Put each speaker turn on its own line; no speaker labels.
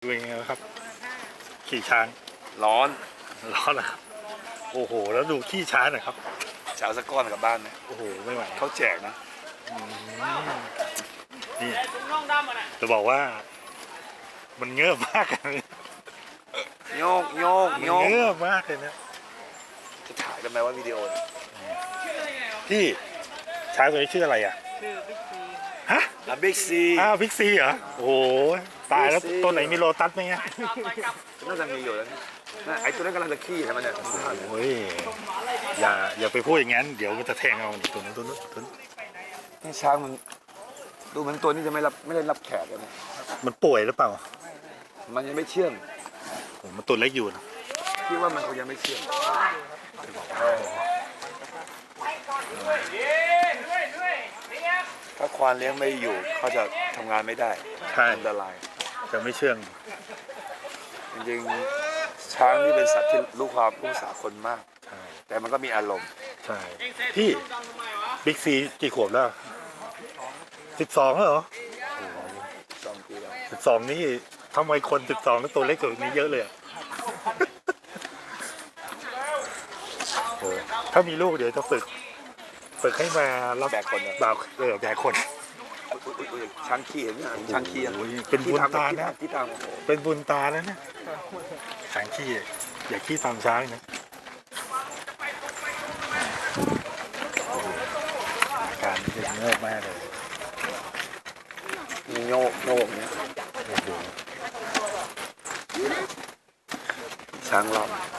ดูยังไงครับขี่ช้าง
ร้อน
ร้อนนะครับโอ้โหแล้วดูขี้ช้างหน่อยครับ
จะเอาสักก้อนกลับบ้านไหม
โอ้โหไม่ไหว
เขาแจกนะ
นี่จะบอกว่า มันเงือบมากเลย
โยกโยก
มัน
โยก
เงือบมากเลยนะ
จะถ่ายได้ไหมว่าวิดีโอเนี่ย
พี่ช้างตัวนี้ชื่ออะไรอ่ะฮะ
บิ๊กซี
อ้าวพิกซีเหรอโอ้โหตายแล้ว
Big C
ตัวไหนมีโลตัสไหมเนี่ย
น่าจะมีอยู่แล้วนะไอ้ตัวนั้นกำลังจะขี้ใช่ไหมเนี่ย
โอ้ยอย่าไปพูดอย่างนั้นเดี๋ยวมันจะแทงเอาตัวนู้นตัวนู้นตัวนู้น
นี่ช้างมันดูเหมือนตัวนี้จะไม่ได้รับแขกเลยนะ
มันป่วยหรือเปล่า
มันยังไม่เชื่อง
โอ้มันตัวเล็กอยู่นะ
คิดว่ามันคงยังไม่เชื่องถ้าควานเลี้ยงไม่อยู่เขาจะทำงานไม่ได้
ใช่
อันตราย
จะไม่เชื่อง
จริงๆช้างนี่เป็นสัตว์ที่รู้ความรู้ภาษาคนมาก
ใช่
แต่มันก็มีอารมณ์
ใช่พี่บิ๊กซีกี่ขวบแล้ว12แล้วเหรอ
2 ปีแล้ว
12นี่ทำไมคน12แล้วตัวเล็กกว่านี้เยอะเลยอะ โอ้ถ้ามีลูกเดี๋ยวจะฝึกให้มารับ
แบกคนอะ
บ่าวแบกคน
อุ๊ยช้างขี้เห็นไหมช้างขี้อะ
โอ้ยเป็นบุญตานะ
ที่ตามโอ้โห
เป็นบุญตาแล้วนะช้างขี้อย่าขี้ตามช้างนะอาการนี่เป็นเงือบมากเลย
มีโยกเนี่ย
โอ้โห
ช้างรอบ